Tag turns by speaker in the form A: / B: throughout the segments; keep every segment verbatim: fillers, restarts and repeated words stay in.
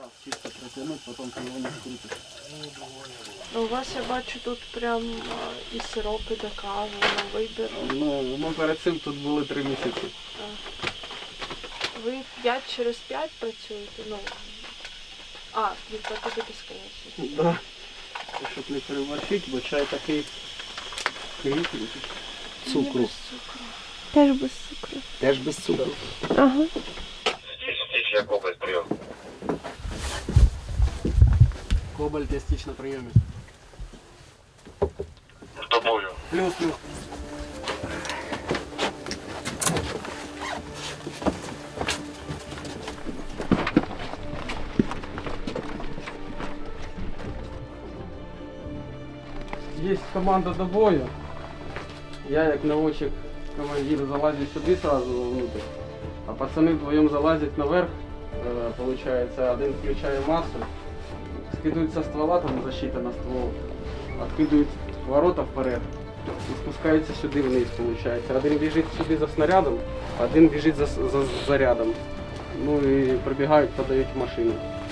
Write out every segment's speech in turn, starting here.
A: чисто протянуть, потом ты его не скрутишь.
B: У вас, я бачу, тут прям а, і сиропи до кави, на вибір.
A: Ну, ми перед цим тут були три місяці.
B: Ви п'ять через п'ять працюєте? Ну, а, від п'яти до безконечності.
A: Да. Щоб не переборщити, бо чай такий кріпкий. Цукру.
B: Без цукру.
C: Теж без цукру.
A: Теж без цукру.
C: Ага.
D: Стич, я кобальт прием.
A: Кобальт я стич на прийомі.
D: С тобою.
A: Плюс-плюс. Есть команда до бою. Я як наводчик командир залазю сюди сразу внутрь, а пацаны вдвоем залазят наверх. Э, получается, один включає массу, скидывают со ствола, там защита на ствол, откидывают ворота вперед и спускаются сюди вниз, получается. Один біжить сюди за снарядом, один біжить за, за зарядом. Ну і прибігають, подають в машину.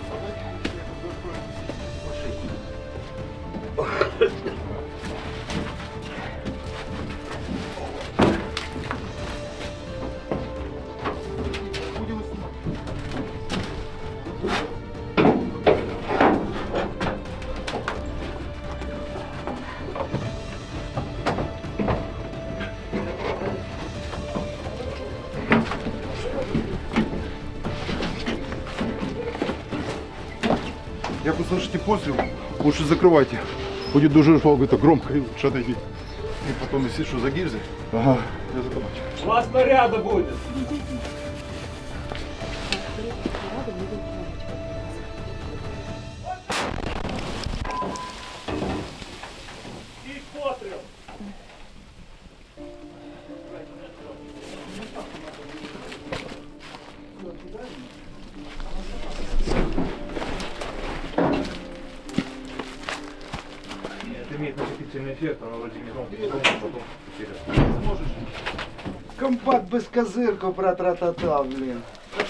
E: Як услышите постріл, лучше закривайте. Будет дуже это громко и лучше отойти. И потом, если что, за гильзы, ага, я закопать.
A: У вас снаряда буде!
D: Это имеет накопительный эффект, но вроде не громко, потом
F: Компакт без козырку про тра-та-та, блин.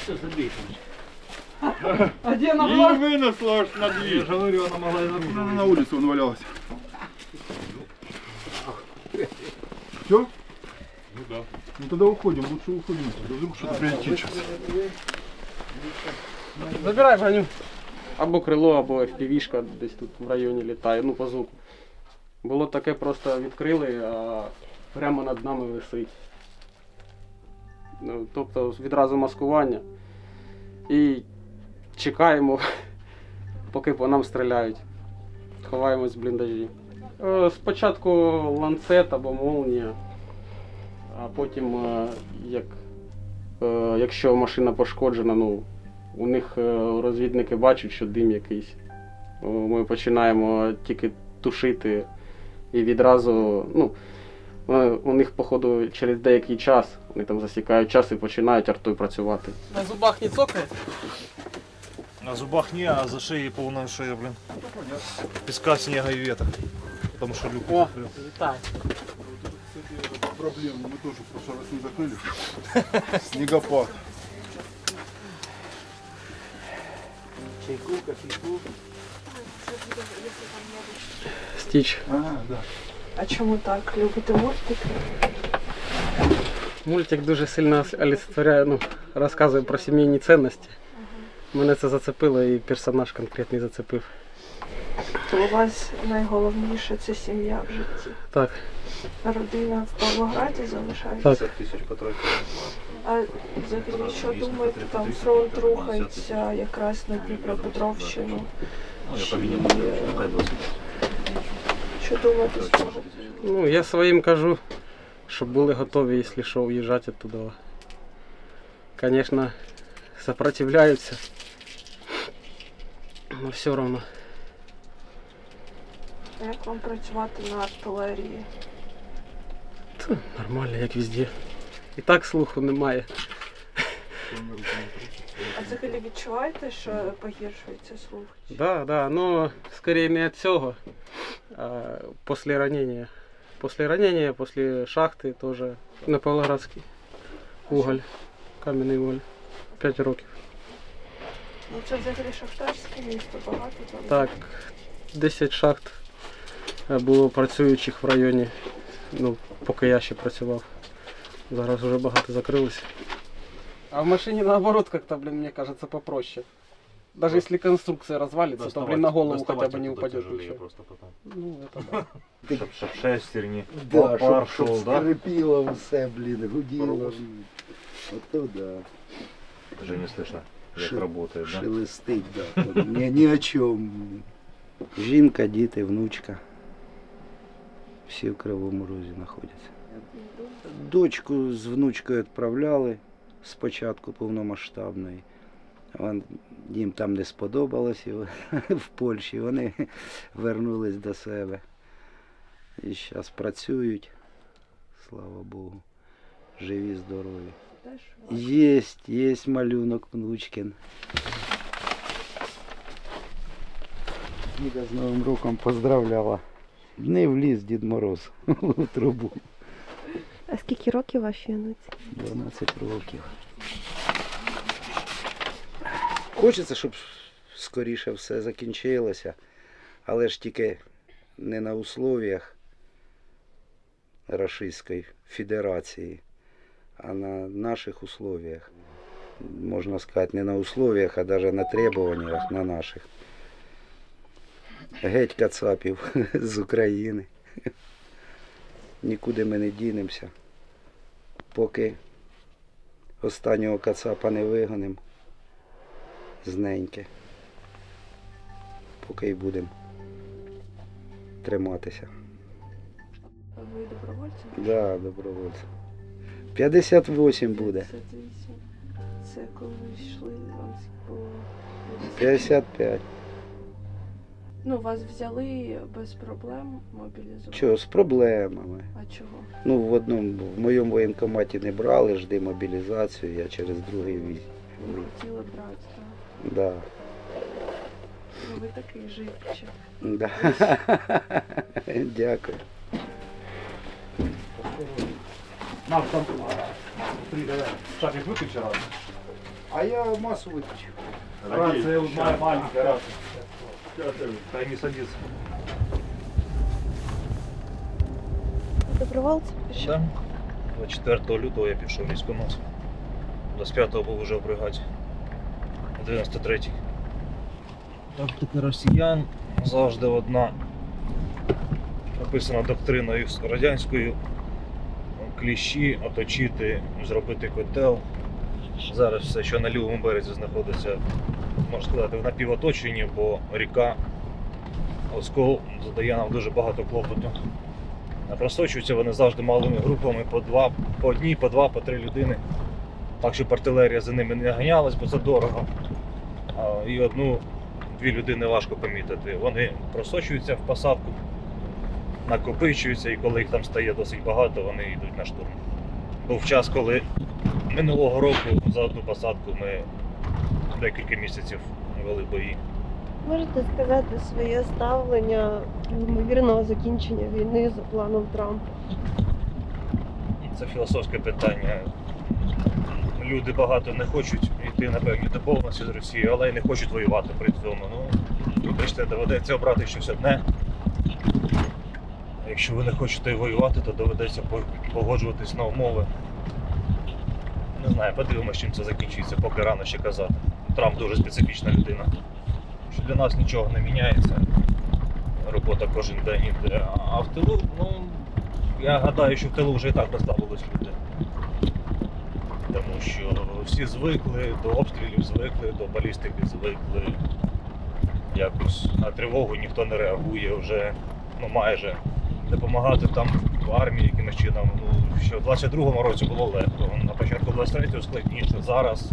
A: А де на
E: И вынесла аж на дверь.
D: Я же говорю, она могла и на
E: Она на улице он валялась. Все?
D: Ну да.
E: Ну тогда уходим, лучше уходим. Вдруг что-то прилетит сейчас.
A: Забирай броню. Або крило, або еф пі ві-шка десь тут в районі літає, ну по звуку. Було таке, просто відкрили, а прямо над нами висить. Ну, тобто відразу маскування. І чекаємо, поки по нам стріляють. Ховаємось в бліндажі. Е, Спочатку ланцет або молнія, а потім, е, як, е, якщо машина пошкоджена, ну, у них е, розвідники бачать, що дим якийсь. О, Ми починаємо тільки тушити і відразу, ну, е, у них, походу, через деякий час, вони там засікають час і починають артою працювати. На зубах не цокає?
D: На зубах не, а за шеей полная шея, блин. Песка, снега и ветра. Потому что люк
A: О,
D: закрыл.
A: літай.
E: Проблемы мы тоже в прошлый раз не закрыли. Снегопад.
F: Чайку, кофейку.
A: Стіч.
E: Ага, да.
B: А чому так? Любите мультики?
A: Мультик дуже сильно олицетворяє, ну, розказує про сімейні цінності. Мене це зацепило і персонаж конкретний зацепив.
B: То у вас найголовніше це сім'я в житті.
A: Так,
B: Родина в Павлограді залишається?
A: так.
D: Тысяч потратил.
B: А взагалі, що думаєте, там фронт рухається якраз на Дніпропетровщину?
D: Ну, я
B: Чи,
D: поменял.
B: е, Що думаєте з цього?
A: Ну, я своїм кажу, щоб були готові, якщо що, в'їжджати туди. Звісно, сопротивляються, але все одно.
B: А як вам працювати на артилерії?
A: Та, нормально, як везде. І так слуху немає.
B: А взагалі відчуваєте, що погіршується слух?
A: Так, да, да, ну, скорее не від цього, а після ранення. Після ранення, після шахти теж на Павлоградській. Уголь, кам'яний уголь. П'ять років.
B: Ну це взагалі шахтарське місто, багато там.
A: Так, десять шахт е, було працюючих в районі, ну, поки я ще працював. Зараз вже багато закрилося. А в машине наоборот как-то, блин, мне кажется, попроще. Даже если конструкция развалится, то, блин, на голову хотя бы не упадет ничего. Ну, это да.
D: Щоб, щоб шестерні,
F: Да, щоб,
D: пар
F: щоб
D: шов, да?
F: скрипіло все, блін, гуділо. Ото да.
D: Вже не слышно, як
F: Ши-
D: працює, да?
F: Шелестить, да. Ні, ні о чому. Жінка, діти, внучка. Всі в Кривому Розі знаходяться. Дочку з внучкою відправляли спочатку повномасштабної. Вон, їм там не сподобалось і в Польщі. Вони вернулись до себе. І зараз працюють, слава Богу. Живі, здорові.
B: Теж
F: Єсть, єсть малюнок внучкин. Діда з Новим роком поздравляла. Не вліз Дід Мороз у трубу.
C: А скільки років вашій онуці?
F: дванадцять років. Хочеться, щоб скоріше все закінчилося, але ж тільки не на условіях Російської Федерації, а на наших условіях. Можна сказати, не на условіях, а навіть на требуваннях на наших. Геть кацапів з України. Нікуди ми не дінемося. Поки останнього кацапа не вигонимо з неньки. Поки й будемо триматися.
B: А ви добровольці?
F: Да, добровольцем. п'ятдесят вісім буде.
B: п'ятдесят вісім. Це коли йшли вам по...
F: п'ятдесят п'ять.
B: Ну, вас взяли без проблем мобілізувати?
F: Чого, з проблемами.
B: А чого?
F: Ну, в одному, в моєму воєнкоматі не брали, жди мобілізацію, я через другий віз.
B: Ви хотіли брати, так?
F: Да.
B: Ну, ви такий живчик.
F: Да. Дякую.
D: Нам там шапик виключи раз.
F: А я масу виключив.
D: Рация моя маленькая рация. Дай не садится.
C: Добровольцем пішов?
D: Да. двадцять четвертого лютого я пішов військкомат. двадцять п'ятого був уже в бригаді. дев'яносто третій. Тактика росіян завжди одна. Написана доктриною радянською. Кліщі, оточити, зробити котел. Зараз все, що на лівому березі знаходиться, можна сказати, в напівоточенні, бо ріка Оскол задає нам дуже багато клопоту. Просочуються вони завжди малими групами, по два, по одній, по два, по три людини. Так, щоб артилерія за ними не ганялась, бо це дорого. А, і одну-дві людини важко помітити. Вони просочуються в посадку, накопичуються, і коли їх там стає досить багато, вони йдуть на штурм. Був час, коли минулого року за одну посадку ми декілька місяців вели бої.
C: Можете сказати своє ставлення до ймовірного закінчення війни за планом Трампа?
D: Це філософське питання. Люди багато не хочуть йти на певні домовленості з Росією, але й не хочуть воювати при цьому. Ну, вибачте, доведеться обрати щось одне. Якщо ви не хочете воювати, то доведеться погоджуватись на умови. Не знаю, подивимося, чим це закінчиться, поки рано ще казати. Трамп дуже специфічна людина. Що для нас нічого не міняється. Робота кожен день іде. А в тилу, ну, я гадаю, що в тилу вже і так розслабились люди. Тому що всі звикли до обстрілів, звикли, до балістики звикли. Якось на тривогу ніхто не реагує вже, ну майже. Допомагати там в армії якимось чином. Ну, що в двадцять другому році було легко, на початку двадцять третього складніше. Зараз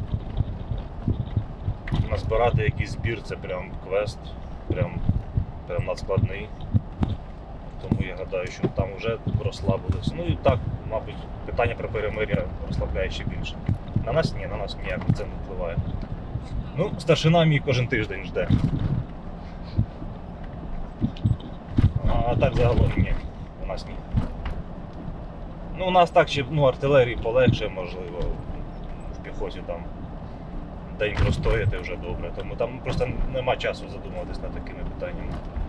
D: назбирати якийсь збір, це прям квест, прям, прям надскладний. Тому я гадаю, що там вже розслабились. Ну і так, мабуть, питання про перемир'я розслабляє ще більше. На нас ні, на нас ніяк це не впливає. Ну, старшина мій кожен тиждень жде. А так загалом ні, у нас ні. Ну, у нас так ще, ну, артилерії полегше, можливо, в піхоті там день простояти вже добре. Тому там просто нема часу задумуватись над такими питаннями.